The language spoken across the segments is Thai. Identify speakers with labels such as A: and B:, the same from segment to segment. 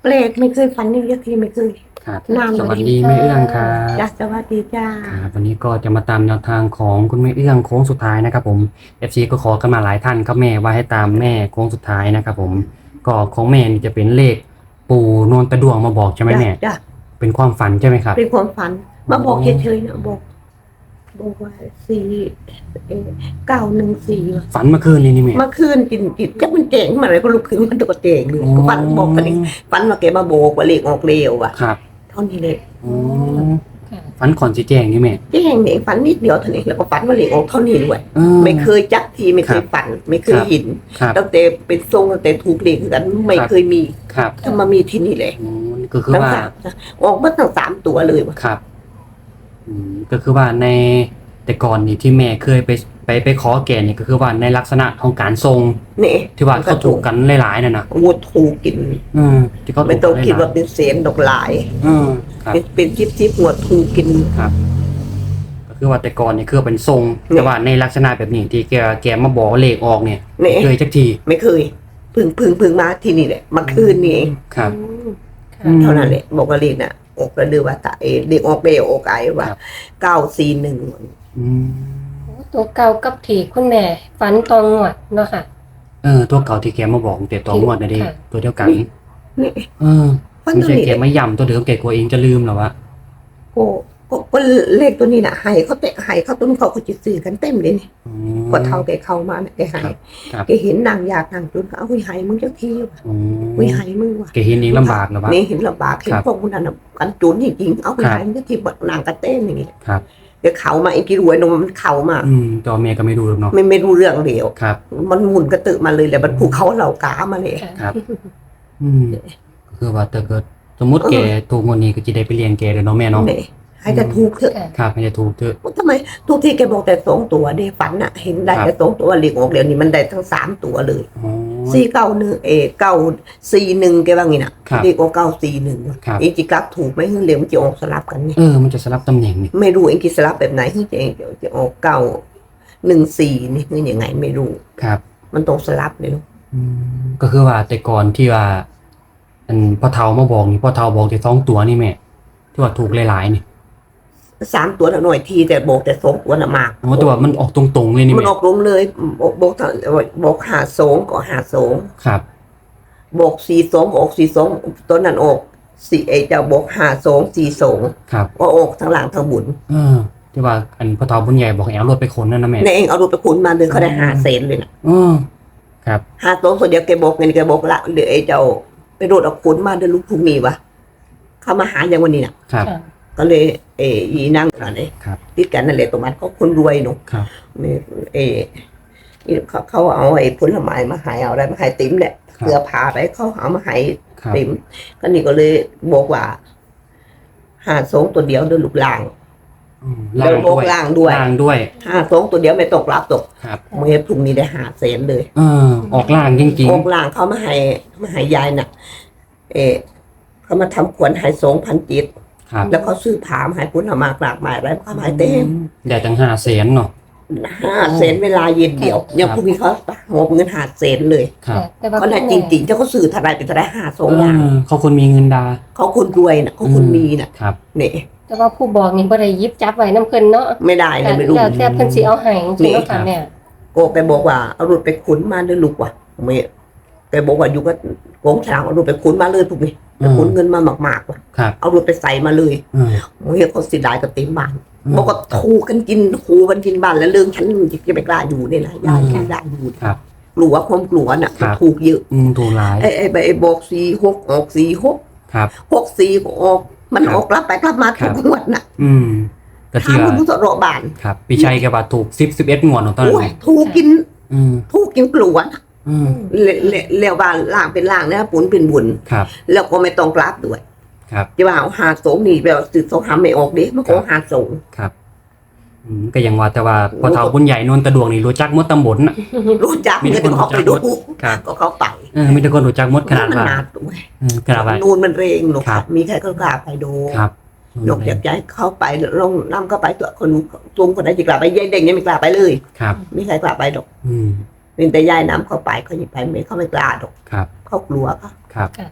A: แปลกไม่เคยฝันอย่างนี้ทีไม่เคย
B: ครับ
A: นาน
B: สวัสดีแม่เอื้องครับ
A: จ้าสวัสดีจ้า
B: ครับวันนี้ก็จะมาตามแนวทางของคุณแม่เอื้องโค้งสุดท้ายนะครับผม FC ก็ขอกันมาหลายท่านครับแม่ว่าให้ตามแม่โค้งสุดท้ายนะครับผมก็ของแม่นี่จะเป็นเลขปู่นนตะดวงมาบอกใช่ไหมแม่
A: จ้า
B: เป็นความฝันใช่ไหมครับ
A: เป็นความฝันมาบอกเฉยๆนะบอกว่า914
B: ฝันเมื่อคืนนี้นี่แม่
A: เมื่อคืนกินจักมันเจ๋งมาอะไรก็ลุกขึ้นมันตัวเจ๋งเลยก็ฝันบอกกันอีกฝันว่าแกมาบอกว่าเลขออกเร็วอ่ะ
B: ครับ
A: เท่านี้เลย
B: อ๋อฝันก่อนสีแจงนี่แม่
A: แจ้งเองฝันนิดเดียวเท่านี้แล้วก็ฝันว่าเลขออกเท่านี้ด้วยไม่เคยจักทีไม่เคยฝันไม่เคยเห็น
B: ครับ
A: ตั้งแต่เป็นทรงตั้งแต่ถูกเลขกันไม่เคยมี
B: ครับ
A: ถ้ามามีที่นี่เลย
B: อ๋อก็คือว่า
A: ออกมาตั้ง3 ตัวเลยว่ะ
B: ครับก็คือว่าในแต่ก่อนนี่ที่แม่เคยไปขอแก่นี่ก็คือว่าในลักษณะของการทรง
A: นี่
B: ที่ว่าเขาถูกกันหลายๆน่ะนะ
A: วัวถูกกิน
B: ที่เขาถูก
A: ไม่ต้องคิด
B: หล
A: ว่าย เป็นเศษดอกลาย
B: ๆครับ
A: เป็นชิปหัวถูกกิน
B: ครับ ก็คือว่าแต่ก่อนนี่คือเป็นทรง
A: เนี่ย
B: แต่ว่าในลักษณะแบบนี้ที่แกมาบอกเลขออกเนี่ย
A: นี่
B: เคยจักที
A: ไม่เคยพึ่งมาที่นี่แหละมาคืนนี่เอง
B: ครับ
A: เท่านั้นแหละบอกว่าเลขน่ะออกกระดือว่าตาเด็กออกเบลออกไอว่า
B: ครับ
A: 941
B: อืม
C: ตัวเก่ากับที่คุณแม่ฝันตองงวดเนาะค่ะ
B: ตัวเก่าที่แกมาบอกแต่ตัวงวดนะดิ
C: ค่ะ
B: ตัวเดียวกัน
A: นี่ ฝัน
B: ไม่
A: ตัว
B: ใช่
A: นี้
B: แกไม่ย้ำตัวเดิมแกกลัวเองจะลืมหรอวะ
A: ก็เลขตัวนี้น่ะให้เขาเตะให้เขาต้นเขาจะซื้อกันเต็มเลยนี่
B: อืม
A: ก็เท่าแกเข้ามาเนี่ยแกให้
B: ครับ
A: แกเห็นนางอยากนางจุนก็เอาไปให้มึงเจ้าที่ว่ะ
B: อืม
A: ไปให้มึงว่ะ
B: แกเห็นเองลำบากหรอวะ
A: นี่เห็นลำบากเห็น
B: ครับ
A: พวกมันนั่นน่ะกันจุนจริงๆเอาไป
B: ครับ
A: ให้มึงเจ้าที่บัดนางกระเต้นอย่างงี้
B: ครับ
A: แกเข้ามาไอ้กี่รวยนมมันเข้ามา
B: ตัวเมียก็ไม่รู้หรอกเนาะ
A: ไม่รู้เรื่องเดียว
B: ครับ
A: มันหมุนกระตือมาเลยแหละมันผูกเขาเหล่ากามาเลย
C: ค่ะ
B: ครับ ก็คือว่าถ้าเกิดสมมติแกถูกงวดนี้ก็จะได้ไปเรียนแกเลยเนาะแม่เนาะ
A: เนี่ยให้จะถูกเถอะ
C: ค่ะ
B: ครับให้จะถูกเถอะ
A: ทำไมทุกที่แกบอกแต่2 ตัวเด้ฝันน่ะเห็นได้
B: ครับ
A: แต่2 ตัวเหลีกออกเดี๋ยวนี้มันได้ทั้ง3 ตัวเลย
B: อ๋อ
A: 941แกว่างี้น่ะ
B: ครับ
A: เด็กออก941
B: ครับ
A: เองจิกลับถูกไหมเรียกมันจะออกสลับกันนี่
B: มันจะสลับตำแหน่งนี่
A: ไม่รู้เองกิสลับแบบไหนที่จะออก914นี่คือยังไงไม่รู้
B: ครับ
A: มันต้องสลับเลยลูก
B: ก็คือว่าแต่ก่อนที่ว่าพ่อเฒ่ามาบอกนี่พ่อเฒ่าบอกแต่2 ตัวนี่แม่ที่ว่าถูกหลายๆนี่
A: 3 ตัวน่ะหน่อยทีแต่บอกแต่2 ตัวน่ะมาก
B: อ๋อแต่ว่ามันออกตรงๆเลยนี่
A: มัน
B: แม่
A: ออกลงเลยบอก52ก็52
B: ครับ
A: บอก42ออก42ตัวนั้นออก4เจ้าบอก5242
B: ครับ
A: ก็ออกทั้งหลังทั้งบุญ
B: ที่ว่าพ่อเฒ่าบุญใหญ่บอกให้เอารถไปขนนั่นนะแม่
A: ในเองเอารถไปขุนมาเดินเขาได้5 เซนเลยนะ
B: ครับ
A: 5 ตัวเดียวแกบอกเงินแกบอกละเดี๋ยวไอ้เจ้าไปรถเอาขุนมาเดินลูกพรุ่งนี้วะเขามาหาอย่างวันนี้น่ะ
B: ครับ
C: ค่ะ
A: ก็เลยอีนั่งอะไร
B: ครับ
A: ติดกันนั่นแหละตรงนั้นเขาคนรวยหนู
B: ครับ
A: เขาเอาไอ้ผลไม้มาให้เอาอะไรมาให้ติ๋มแหละ
B: ครับ
A: เสื้อผ้าอะไรเขาเอามาให้
B: ครับ
A: ติ๋มก็นี่ก็เลยบอกว่า52ตัวเดียวเดินลูกลาง แล้วบอกล่างด้วย
B: ล่างด้วย
A: 52ตัวเดียวไม่ตกรับตก
B: ครับ
A: เมื่อพรุ่งนี้ได้5 เซนเลย
B: ออกล่างจริง
A: ออกลางเขามาให้ยายน่ะเขามาทำขวัญให้2,000 จิต
B: ๆครับ
A: แล้วเขาซื้อผามให้คุณมากหลากหลายอะไรเขามาให้เต็ม
B: ได้ตั้ง5 แสนเนาะ
A: 5 เซนเวลาเย็นเดียวยังพรุ่งนี้เขาหอบเงิน5 เซนเลย
B: ครับ
C: แต่ว่า
A: เขาได้จริงๆเจ้าเขาซื้อเท่าไรเป็นเท่าไร52อย่าง
B: เขาคนมีเงินดา
A: เขาคนรวยน่ะเขาคนมีน่ะ
B: ครับ
A: เนี่ย
C: แต่ว่าผู้บอกนี่บ่ได้หยิบจับไว้น้ำเพิ่นเนาะ
A: ไม่ได้เลยไม่รู้
C: แล้วแต่เพิ่นสิเอาให้จริงๆเนาะค่ะแม่
A: โกไปบอกว่าเอารถไปขุนมาด้วยลูกว่ะไม่แกบอกว่าอยู่ก็โกงฉลางเอารถไปขุนมาเลยพวกนี้ไปขุนเงินมามากๆว่ะ
B: ครับ
A: เอารถไปใส่มาเลย เมื่อเขาสิได้ก็เต็มบ้านบอกก็ถูกกันกินหูกันกินบ้านแล้วเรื่องฉันจะไปกล้าอยู่เนี่ยนะยายไม่ได้อยู่
B: ครับ
A: กลัวความกลัวน่ะ
B: ครับ
A: ถูกเยอะ
B: ถูกหลาย
A: ไอ้บอก46ออก46
B: ครับ
A: 64ก็ออกมัน
B: ครับ
A: ออกกลับไปกลับมา
B: ครั
A: ทุ
B: บ
A: กงวดน่ะ
B: ก็
A: ถา
B: ที่
A: ม
B: ว่า
A: คุณสระบาน
B: ครับพี่ชัยแกว่าถูก11 งวดของตอนนั้
A: โอ้
B: น
A: ยถูกกิน
B: อืม
A: ถูกกินกลัวน่ะ
B: อืม
A: เลี้ยวบ้านล่างเป็นล่างนะปุนเป็นบุญ
B: ครับ
A: แล้วก็ไม่ต้องกลับด้วย
B: ครับ
A: จะว่าเอา52นี่แบบสื่อสงครามไม่ออกเด้มันก็52
B: ครับก็ยังว่าแต่ว่าพอเฒ่าบุญใหญ่นนตะดวงนี่รู้จักหมดตำบลน่ะ
A: รู้จัก
B: มี
A: เงิ
B: แต่
A: น
B: คน
A: เขาไปดู
B: รู้จัก ครับ
A: ก็เขาไป
B: มีแต่คนรู้จักหมดขนาด
A: มัน
B: ว่า
A: หนาด้วย
B: ขนาดว่า
A: นูนมันเรงหนู
B: ครับ
A: มีใครก็กล้าไปดู
B: ครับ
A: นกอยากย้ายเข้าไปลงน้ำเข้าไปตัวคนจุงคนไหนจะกล้าไปยายเด็กยังไม่กล้าไปเลย
B: ครับ
A: มีใครกล้าไปดอก
B: อืม
A: เป็นแต่ยายน้ำเข้าไปเขาไม่ไปไม่เขาไม่กล้าดอก
B: ครับ
A: เขากลัวเขา
B: ครับ
A: เ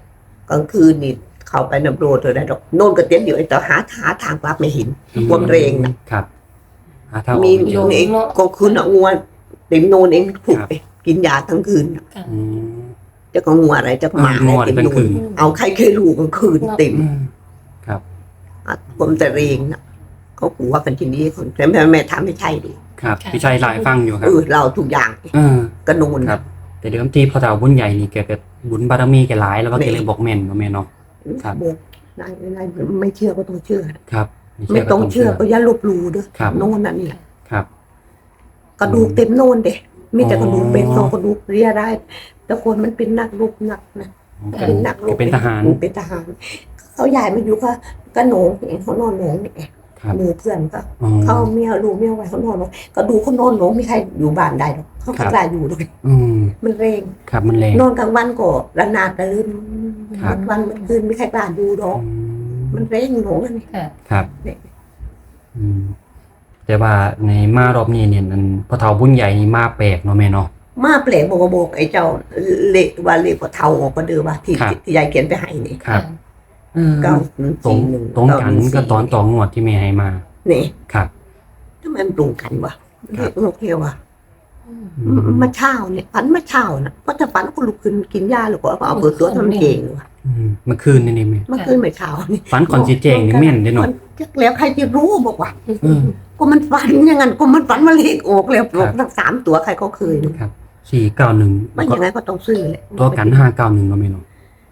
A: กลางคืนนี่เข้าไปนำโรดเลยได้ดอกโน่นก็เต็มอยู่ไอ้ต่อหาทางกลับไม่เห็นความเรงนะครับ
B: หาทางออก
A: มี
B: ไม่เจอ
A: เองก็คืนงัวเต็มโน่นเองถูกไปกินยาทั้งคืน
C: ค่ะ
B: อืม
A: จะก็งัวอะไรจะหมา
B: งัว
A: เต็ม
B: กลาง
A: โน่
B: คื
A: น
B: น
A: เอาใครเคยรู้กลางคืนเต็ม
B: ครับ
A: ผมแต่เรงนะเขาขู่ว่ากันทีนี้คนแม่ทำไม่ใช่ดิ
B: ครับพี่ชัยหลายฟังอยู่ครับ
A: เราทุกอย่าง
B: เออ
A: กระนูน
B: ครับ แต่เดิมทีพอเต่าบุญใหญ่นี่แกก็บุญบารมีแกหลายแล้วว่าแกเลยบอกแม่นว่าแม่เนาะ ครับ
A: บอกนายไม่เชื่อก็ต้องเชื่อ
B: ครับ
A: ไม่ต้องเชื่อก็อย่าลบหลู่ด้วย
B: ครับ
A: โน่นนั่นนี่แหละ
B: ครับ
A: กระดูกเต็มโน่นเด็มีแต่กระดูกเป็น
B: อ๋อ
A: โซกระดูกเรียได้ แต่คนมันเป็นนักรบนักนะ เป็นนักรบ
B: เป็นทหาร
A: เป็นทหารเขาย้ายมาอยู่ก็โหนงเองเขานอนโหนงเนี่ย
B: ครับ
A: หมู่เพื่อนก็
B: อ๋อ
A: เขาเมียลูกเมียไว้เขานอนโหนงก็ดูเขานอนโหนงไม่ใครอยู่บ้านได้หรอกเขา
B: ครั
A: ไม่
B: บ
A: กล้าอยู่เลย
B: อืม
A: มันเร่ง
B: ครับมันแรง
A: นอนกลางวันก็ระนาดระลื่น
B: ครับ
A: วันมันคืนไม่ใครกล้าดูหรอก
B: อื
A: มันเร่งโหนงอันนี้
C: ค่ะ
B: ครับ
A: เนี่ย
B: อืมแต่ว่าในมารอบนี้เนี่ยมันพอเต่าบุญใหญ่นี่มาแปลกเนาะแม่เนาะ
A: มาเปลกบอกไอ้เจ้าเละว่าเละกว่าเทาออกก็เดือว่าที่
B: ครับ
A: ที่ยายเขียนไปให้นี่
B: ครับเออ
A: เก้า
B: ตรง
A: หนึ่ง
B: ตรงกันก็ตอนต่องวดที่แม่ให้มา
A: นี่
B: ครับ
A: ทำไมมันตรงกันวะ
B: ครับ
A: โอเควะ
B: อืม
A: มาเช้าเนี่ยฝันมาเช้านะเพราะถ้าฝันก็ลุกขึ้นกินยาหรือก็เอาเปิดตัวทำเก่งเลยวะ
B: เมื่อคืนนี่แม่
A: เมื่อคืนไม่เช้านี่
B: ฝันก่อนสิแจงนี่แม่นได้หน่อย
A: มันจักแล้วใครจะรู้บอกว่า
B: เออ
A: ก็มันฝันอย่างนั้นก็มันฝันมาเลขออกแล้ว
B: ครับ
A: ทั้ง3 ตัวใครก็เคยดู
B: ครับ491
A: มันยังไงก็ต้องซื้อแหละ
B: ตัวกัน591เนาะแม่เนาะ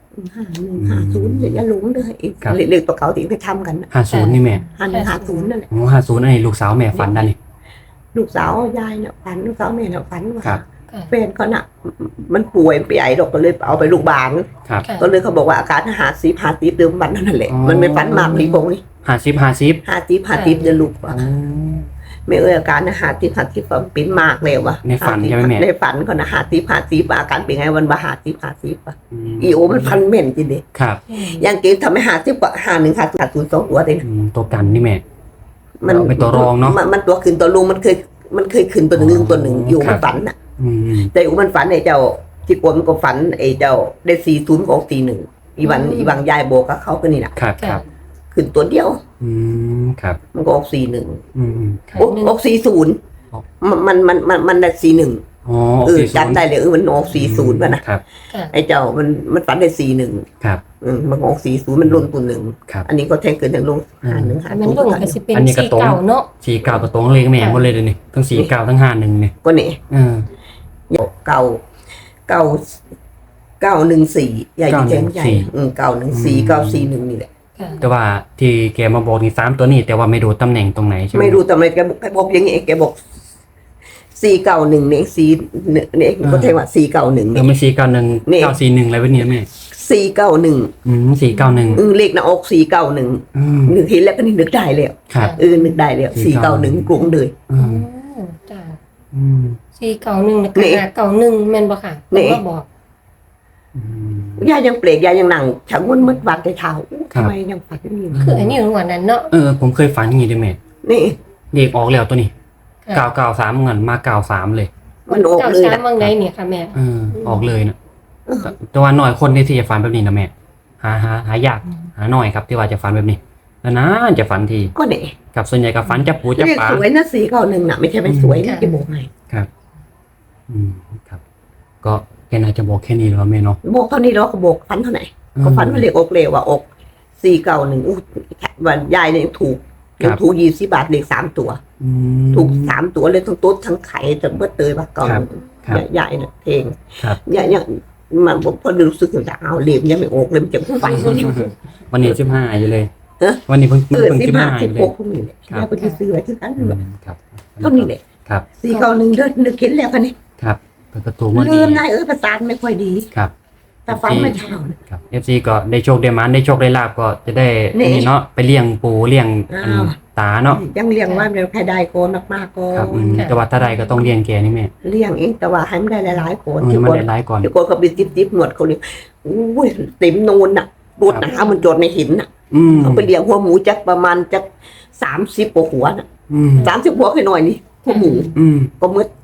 A: 51 50อย่าหลงเลยอีก
B: ครับ
A: เลขตัวเขาที่ไปทำกันนะ
B: 50นี่แม่
A: 51 50นั่นแหละ
B: โอ้50อันนี้ลูกสาวแม่ฝันได้นี่
A: ลูกสาวยายเนี่ยฝันลูกสาวแม่เนี่ยฝันว่า
B: ครับ
C: ค่ะ
A: แฟนเขาน่ะ มันป่วยไปใหญ่ดอกก็เลยเอาไปโรงพยาบาล
B: ครับ
C: ค่ะ
A: ก็เลยเขาบอกว่าอาการ50เดิมวันนั่นแหละ
B: อ๋อ
A: มันไม่ฝันมากนี่บงนี่
B: 50
A: 50เดือนลูกว่ะ
B: อ๋อ
A: ไม่อาการ50ก็เป็นมากแล้วว่ะ
B: ในฝันใช่ไหมแม่
A: ในฝันก็นะ50อาการเป็นไงวันว่า50อ่ะ
B: อืม
A: อีโอมันฟันเม่นจริงดิ
B: ครับ
A: อย่างเกมทำให้50กว่า51 50 2ตัวเอง
B: ตัวกันนี่แม่ เอาไปตัวรองเนอะ
A: มันตัวขึ้นตัวลงมันเคยขึ้นตัวหนึ่งตัวหนึ่งอยู่
B: ครั
A: มั
B: บ
A: นฝันน่ะ
B: อืม
A: แต่อยู่มันฝันไอ้เจ้าที่กวนมันก็ฝันไอ้เจ้าได้40ของ41อีบางยายโบกกับเขาก็นี่น่ะ
B: ครับครับ
A: ขึ้นตัวเดียว
B: อืมครับ
A: มันก็ออก41
B: อืมครับ
A: ออก40มันได้41
B: อ๋อ
A: จำได้เลยมันออก40ป่ะนะครับ ไอ้เจ้ามันฝันได้41
B: ครับ
A: มันออก40มันลงตัวหนึ่ง
B: ครับ
A: อันนี้ก็แทงเกินแทงลง51
C: มันลงก็สิเป็น
B: อันนี้ก็
C: สี
B: ตรง
C: เก่าเนาะ
B: 49กับตรงเลขแม่หมดเลยเดี๋ยวนี้ทั้ง49ทั้ง51เนี่ย
A: ก็นี่
B: เออ
A: 914ใหญ่แจ้งใหญ่914 941นี่แหละ
C: ค่ะ
B: แต่ว่าที่แกมาบอกนี่3ตัวนี้ แต่ว่าไม่รู้ตำแหน่งตรงไหนใช่ไหม
A: ไม่รู้ทำไมแกบอกอย่างงี้แกบอก491เนี่ยเนี่ยก็แทงว่า491
B: เอ
A: เนี่
B: อย ไม่491
A: นี่
B: 941อะไรแบบนี้นะแม่
A: 491
B: 491
A: เลขหน้าอก491
B: อืม
A: นึกเห็นแล้วก็นึกได้แล้ว
B: ครับ
A: นึกได้แล้ว491กรุงเลย
B: อืม
C: จ้า
B: อืม
C: 491นะ
A: นี่
C: คะ591แม่นบ่ค่ะ
A: นี่
C: เพิ่นมาบอก
B: อืม
A: ยายยังเปลกยายยังนั่งชักวนมืดวันในเท้า
B: ครับ
A: ทำไมยังฝันอยู่
C: คืออันนี้หัวนั้นเนาะ
B: ผมเคยฝันอย่างนี้ด้วยแม่
A: นี่
B: เลขออกแล้วตัวนี้
C: ค่ะ
B: 993เงินมา93เลย
A: มันออกเลย
C: 93
A: นะ
C: บางไดเนี่ยค่ะแม่
B: ออกเลยนะแต่ว่าหน่อยคนที่จะฝันแบบนี้นะแม่หายากหาหน่อยครับที่ว่าจะฝันแบบนี้แล้วนะจะฝันที
A: ก็เนี่ย
B: กับส่วนใหญ่กับฝันจะปูจะ
A: เรียก
B: ปลา
A: สวยนะ491น่ะไม่ใช่ไม่สวยนะจะบอกไง
B: อืมครับ ก็แกน่าจะบอกแค่นี้แล้วแม่เนาะ
A: บอกเท่านี้แล้วก็บอกฝันเท่าไหร่ก็ฝันว่าเรียกอกเลวว่าอก491วันยายเนี่ยถูกยังถูก20 บาทเลข3 ตัว
B: อืม
A: ถูก3 ตัวเลยทั้งโต๊ะทั้งไข่แต่เบิดเตยว่าก่อน
B: ครับ
A: ยายเนี่ยเพลง
B: ครับ
A: ยายยังมันพอรู้สึกจะเอาเหลี่ยมยังไม่ออกเลยมันจะฝัน
B: วันนี้15อยู่เลย
A: เอ๊ะ
B: วันนี้เพิ่ง
A: 15
B: 15อยู่เลย
A: 16พวกนี้แหละยายไปซื้อไว้ที่นั้น
B: ครับ
A: เท่านี้แหละ
B: ครับ
A: 491เดินนึกเห็นแล้วคันนี้
B: ครับเปิดประตูมา
A: ลื
B: ดี
A: มนายประสาทไม่ค่อยดี
B: ครับ
A: แต่ฟังไม่เท่า
B: ครับ FC ก็ได้โชคได้หมันได้โชคได้ลาบก็จะได้
A: นี่
B: นี่เนาะไปเลี้ยงปูเลี้ยงอัน
A: อ้าว
B: ตาเนาะ
A: ยังเลี้ยงว่าเดี๋ยวใครได้โกนมากๆก็
B: ครับแต่ว่าถ้าใดก็ต้องเลี้ยงแกนี่แม่
A: เลี้ยงเองแต่ว่าให้มันได้หลายๆโกน
B: เออมันได้หลายก่อน
A: ที่โกนเขาไปจิ๊บๆหนวดเขาเลยอุ้ยเต็มโนนน่ะรถนะมันจดไม่เห็นน่ะ
B: อืม
A: เขาไปเลี้ยงหัวหมูจักประมาณจัก30 กว่าหัวน่ะ
B: อืม
A: 30 หัวแค่หน่อยนี่หัวหมู
B: อืม
A: ก็มืด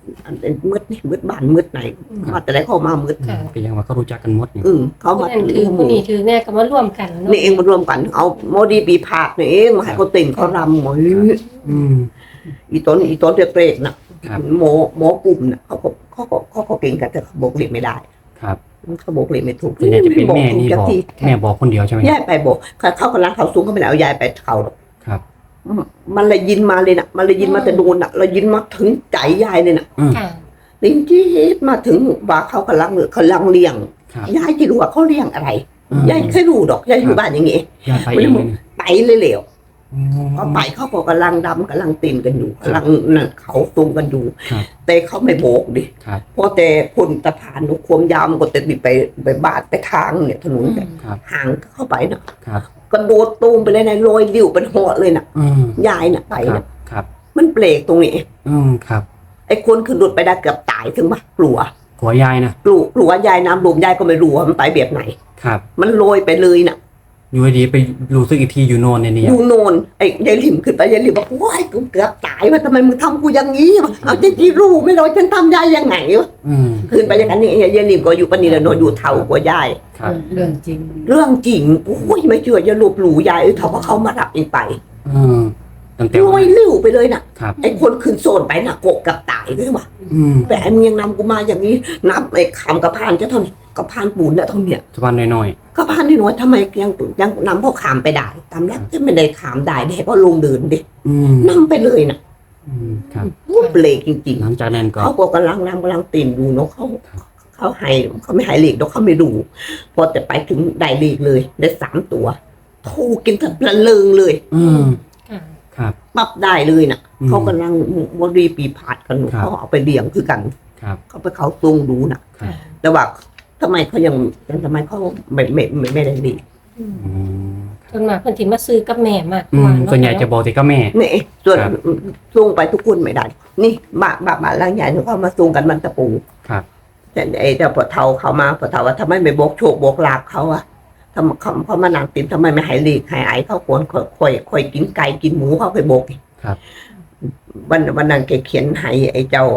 A: อันเป็นมืดนี่มืดบ้านมืดไหนมาแต่ไหนเข้ามามืด
C: ค่ะ
B: ก็ยังว่าเขารู้จักกันหมดนี่
A: เขา
C: ผู้
A: มา
C: นั้นถือผู้นี้ถือแม่ก็มาร่วมกันเนาะ
A: นี่เองมารวมกัน เอาโมดีปีผาดนี่เองมาให้เขาติ่งเขารำหมอย
B: อืม
A: อีต้นเปรกๆน่ะหมอกลุ่มน่ะเขาเก่งกันแต่เขาบอกเรียนไม่ได้
B: ครับ
A: เขาบอกเรียนไม่ถูก
B: ส่วนใหญ่จะเป็นแม่นี่
A: จั
B: บอก
A: ที
B: แม่บอกคนเดียวใช่ไหม
A: ยายไปบอกเขากำลังเขาสูงเขาไม่ได้เอายายไปเขาหรอก
B: ครับ
A: มันเลยยินมาเลยน่ะ มันเลยยินมาแต่โดนน่ะเรายินมาถึงใจยายเลยน่ะ
C: ค่ะ
A: ลิงจี้มาถึงว่าเขากำลังเลี้ยง
B: ครับ
A: ยายจะรู้ว่าเขาเลี้ยงอะไร ยายแค่รู้ดอกยายอยู่บ้านอย่างงี้
B: ยายไปเองเลยนี่
A: ไปเลยเหลว
B: อืม
A: เขาไปเขาก็กำลังดำกำลังตีนกันอยู่กำลังนั่นเขาตุงกันอยู่
B: ครับ
A: แต่เขาไม่โบกดิ
B: ครับ
A: เพราะแต่คนตะพานนุความยาวมันก็จะติดไปบาดไปทางเนี่ยถนนเนี่ย
B: ครับ
A: ห่างเข้าไปนะครับ กระโดดตูมไปเลยนะลอยดิ้วเป็นหัวเลยน่ะ
B: อืม
A: ยายน่ะไป
B: ครั
A: น่ะ
B: บครับ
A: มันเบรกตรงนี้
B: อืมครับ
A: ไอ้คนขึ้นรถไปได้เกือบตายถึงปะกลัว
B: หัวยายนะ
A: กลัวยายน้ำรวมยายก็ไม่รู้ว่ามันไปแบบไหน
B: ครับ
A: มันโรยไปเลยน่ะ
B: อยู่ดีๆไปรู้สึกอีกทีอยู่โนนเนี่ย
A: อยู่โนนไอ้ยายหลิมขึ้นไปยายหลิมบอกว้ายกูเกือบตายว่าทำไมมึงทำกูอย่างนี้วะเอาจริงๆรู้ไม่รู้ฉันทำยายยังไงวะ
B: อืม
A: ขึ้นไปอย่างนั้นนี่ยายหลิมก็อยู่ปานนีแหละโนนอยู่เท่ากว่ายาย
B: ครับ
D: เรื่องจริง
A: เรื่องจริงโอ้ยไม่เชื่ออย่าลบหลู่ยายเขาว่าเขามารับเองไป
B: อืมตั้งแต่
A: ล
B: วั
A: อน ย
B: นั้น
A: ลิ้วไปเลยน่ะ
B: ครับ
A: ไอ้คนขึ้นโซนไปน่ะโกะกับตายด้วยวะ
B: อืม
A: แต่ไอ้มึงยังนำกูมาอย่างนี้นับไอ้คำกระพานจะเท่านี้กระพานปูนเนี่ยเท่าเนี้ย
B: สวันน้อย
A: กระพานนี่น้อยทำไมยังนำพวกขามไปได้ตามแรกจะไม่ได้ขามได้ได้ก็ลงเดินดิ
B: ๆอืม
A: นำไปเลยน่ะ
B: อืมครับ
A: เบรกจริง
B: หลังจากนั้น
A: ๆ
B: ก็
A: เขาก็กำลังตีนดูเนาะเขาไม่หายเหล็กเนาะเขาไม่ดูพอแต่ไปถึงได้เหล็กเลยได้3 ตัวถูกกินทั้งละเลิงเลย
B: อืม
C: ค่ะ
B: ครับ
A: ปรับได้เลยน่ะ
B: อืม
A: เขากำลังวรีปีผาดกันอยู่
B: ครับ
A: เขาเอาไปเลี้ยงคือกัน
B: ครับ
A: เขาไปเขาทรงดูน่ะ
B: ครับ
A: แต่ว่าทำไมเขายังทำไมเขาไม่ได้ดี
B: อืม
C: ส่วนมากเพิ่นสิมาซื้อกับแม่มาก
B: อื
C: กว่าม เา
B: ส่วนใหญ่จะบอกแต่ก็แม่
A: นี่ส่วน
B: ครับ
A: ทรงไปทุกคนไม่ได้ นี่บ้านล่างใหญ่เขามาทรงกันมันตะปู
B: ครับ
A: แต่ไอ้เจ้าปะเทาเขามาปะเทาว่าทำไมไม่บอกโชคบอกลาบเขาอะทำเขามานั่งติมทำไมไม่หายลีกหายไอเขาควรค่อยกินไก่กินหมูเขาไปบอกอีก
B: ครับ
A: วันนั้นแกเขียนให้ไอ้เจ้า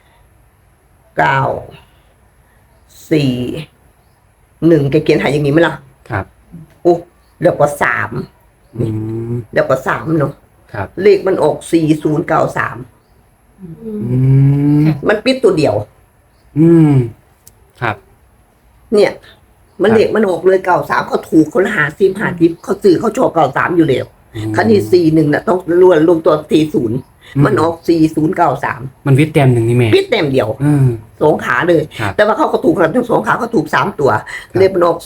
A: 9 4 1แกเขียนให้อย่างนี้ไหมล่ะ
B: ครับ
A: อุ๊แล้วก็3
B: อืม
A: แล้วก็3เนาะ
B: ครับ
A: เลขมันออก4093
C: อืม
B: อืม
A: มันปิดตัวเดียว
B: อืมครับ
A: เนี่ย มันเลขมันออกเลย93เขาถูกคนละ50เขาซื้อเขาชอบ93อยู่แล้วคันนี้41น่ะต้องรวมตัว40มันออก4093
B: มันวิทย์แต้มหนึ่งนี่แม่
A: ปิดเต็มเดียว
B: อืม
A: 2 ขาเลย
B: ครับ
A: แต่ว่าเขาก็ถูกทั้ง2 ขาเขาถูก3 ตัวเลขมันออก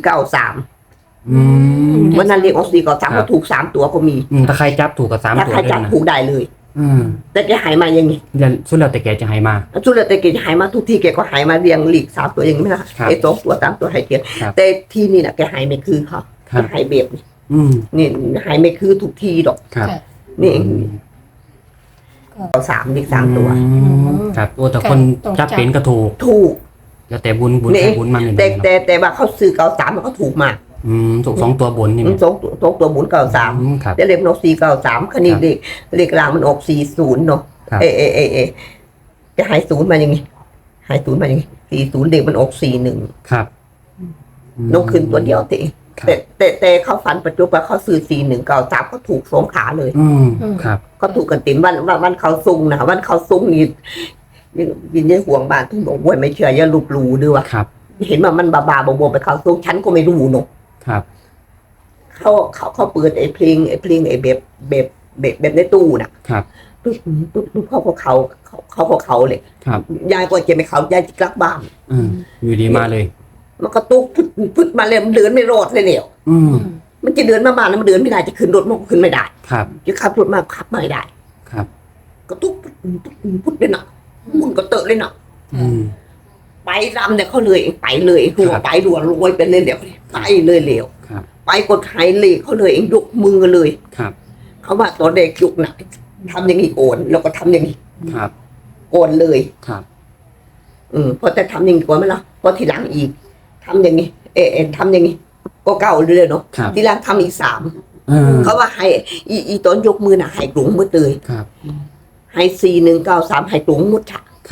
A: 493
B: อืม
A: วันนั้นเลขออก493เขาถูก3 ตัวก็มี
B: ถ้าใครจับถูกกับ3
A: ถ้า
B: ตัว
A: ใคร
B: ด้วย
A: จับ
B: นะ
A: ถูกได้เลย
B: อืม
A: แต่แกหายมาอย่างนี้
B: แล้วสุดแล้วแต่แกจะให้มา
A: สุดแล้วแต่แกหายมาทุกที่แกก็หายมาเรียงหลีก3 ตัวอย่างนี้ไม่ละ
B: ครับ
A: ไอ้2 ตัว3 ตัวหายเกียร
B: ครับ
A: แต่ที่นี่น่ะแกหายไม่คือเขา
B: ครับ
A: หายแบบนี้
B: อืม
A: นี่หายไม่คือทุกทีดอก
B: ครับ
C: ค่ะ
A: นี่เอง
B: อืม
A: เอา3อีก3 ตัว
B: อืมครับโอ้แต่คน
C: ต้อง
B: จับเป็นก็ถูก
A: ถูก
B: แล้วแต่บุญ
A: นี่
B: ใครบุญมันเนี่ย
A: แต่
B: เนาะ
A: แต่ว่าเขาซื้อ93มันก็ถูกมาก
B: อืมถูก2 ตัวบนนี่
A: มั
B: แม่
A: นสองตัวหมุน93
B: อืมครับ
A: แต่เลขมันออก493คันนี้เลขกลางมันออก40เนาะ
B: ครับ
A: เอจะหาย0มาอย่างงี้หาย0มาอย่างงี้40เลขมันออก41
B: ครับ
A: นกขึ้นตัวเดียวติ
B: ครับ
A: แต่เขาฝันปัจจุบันเขาซื้อ4193เขาถูก2 ขาเลย
B: อืมครับ
A: เขาถูกกันเต็มวันเขาซุงนะวันเขาซุงนี่ยินยัยห่วงบ้านทุกบอกว่าไม่เชื่ออย่าลบหลู่ด้วยวะ
B: ครับ
A: เห็นว่ามันบาๆบวๆไปเขาซุงฉันก็ไม่รู้เนาะ
B: ครับ
A: เขาเปิดไอ้เพลงไอ้แบบในตู้น่ะ
B: ครับ
A: ปุ๊บเขาเลย
B: ครับ
A: ยายก็จะไม่เขายายจะกลับบ้าน
B: อืมอยู่ดีมาเลย
A: มันก็ตุ๊กพุดมาเลยมันเดินไม่รอดเลยเนี่ย
B: อืม
A: มันจะเดินมาบ้านแล้วมันเดินไม่ได้จะขึ้นรถมันก็ขึ้นไม่ได้
B: ครับ
A: จะขับรถมาขับไม่ได้
B: ครับ
A: ก็ตุ๊กพุดเลยนะมุนก็เตอะเลยนะ
B: อืม
A: ไปรำเนี่ยเขาเลยไปเลยหัว
B: ครับ
A: ไปรัวรวยไปเลยเหลวไปเลยเหลว
B: ครับ
A: ไปกดไทยเลยเขาเลยเองยกมือเลย
B: ครับ
A: เขาว่าตอนเด็กยุกหนักทำอย่างนี้โอนแล้วก็ทำอย่างนี้
B: ครับ
A: โอนเลย
B: ครับ
A: พอจะทำอย่างนี้ก่อนไหมล่ะพอทีหลังอีกทำอย่างนี้ทำอย่างนี้ก็เก่าเลยเนาะ
B: ครับ
A: ทีหลังทำอีก3เขาว่าให้อีตอนยกมือน่ะให้กลุ่มมืดเลย
B: ครับ
A: ให้4193ให้กลุ่มมุดฉะ
B: ค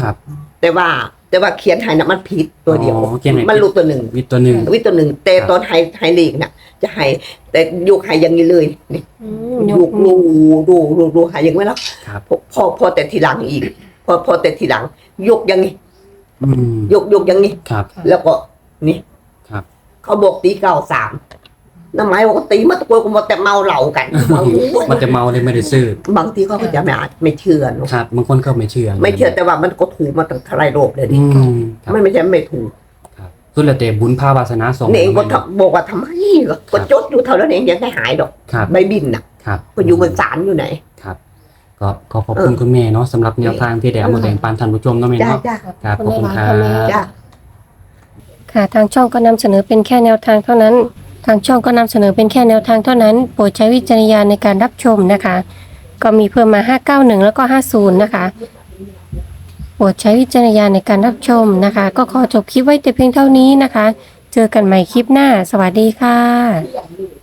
B: ครับ
A: แต่ว่าเขียนให้น่ะมันผิดตัวเดียว
B: อ๋อเขียนให้
A: มันรู้ตัวหนึ่ง
B: วิทย์ตัวหนึ่ง
A: วิตัวหนึ่งแต่
B: ครับ
A: ตอนไฮลีกน่ะ จะไฮแต่ยกไฮอย่างนี้เลยนี่
C: ย
A: ย
C: ก
A: กดูไฮอย่างไว้แล้ว
B: ครับ
A: พอแต่ทีหลังอีก พอแต่ทีหลัง ยกอย่างนี้
B: อืม
A: ยกอย่างนี้
B: ครับ
A: แล้วก็นี่
B: ครับ
A: เขาบอกตี93น้ำไม้บอกว่าตีมาตะโกนก็มาแต่เมาเหล้ากันบาง
B: มันจะเมาเลยไม่ได้ซื้อบ
A: างทีเขาก็จะไม่เชื่อเนอะ
B: ครับบางคนก็ไม่เชื่อ
A: ไม่เชื่อแต่ว่ามันก็ถูกมาตั้งเท่าไรโลบเลย
B: อื
A: นี่
B: มครับ
A: ไม่ใช่ไม่ถูก
B: ครับสุดแล้วแต่บุญภาวาสนาส่ง
A: นี่เองก็
B: มา
A: บอกว่าทำไมก็จดอยู่เท่านั้นเองยังไม่หายดอก
B: ครับ
A: ใบบินน่ะ
B: ครับ
A: ก็อยู่บนศาลอยู่ไหน
B: ครับก็ขอขอบคุณคุณแม่เนาะสำหรับแนวทางที่ได้เอามาแบ่งปันท่านผู้ชมเนาะแม่
A: จ้า
B: เนาะ
A: จ้า
B: ครับขอบคุณครับ
A: จ้า
C: ค่ะทางช่องก็นำเสนอเป็นแค่แนวทางเท่านั้น ทางช่องก็นำเสนอเป็นแค่แนวทางเท่านั้น โปรดใช้วิจารณญาณในการรับชมนะคะ ก็มีเพิ่มมา 591 แล้วก็ 50 นะคะ โปรดใช้วิจารณญาณในการรับชมนะคะ ก็ขอจบคลิปไว้แต่เพียงเท่านี้นะคะ เจอกันใหม่คลิปหน้า สวัสดีค่ะ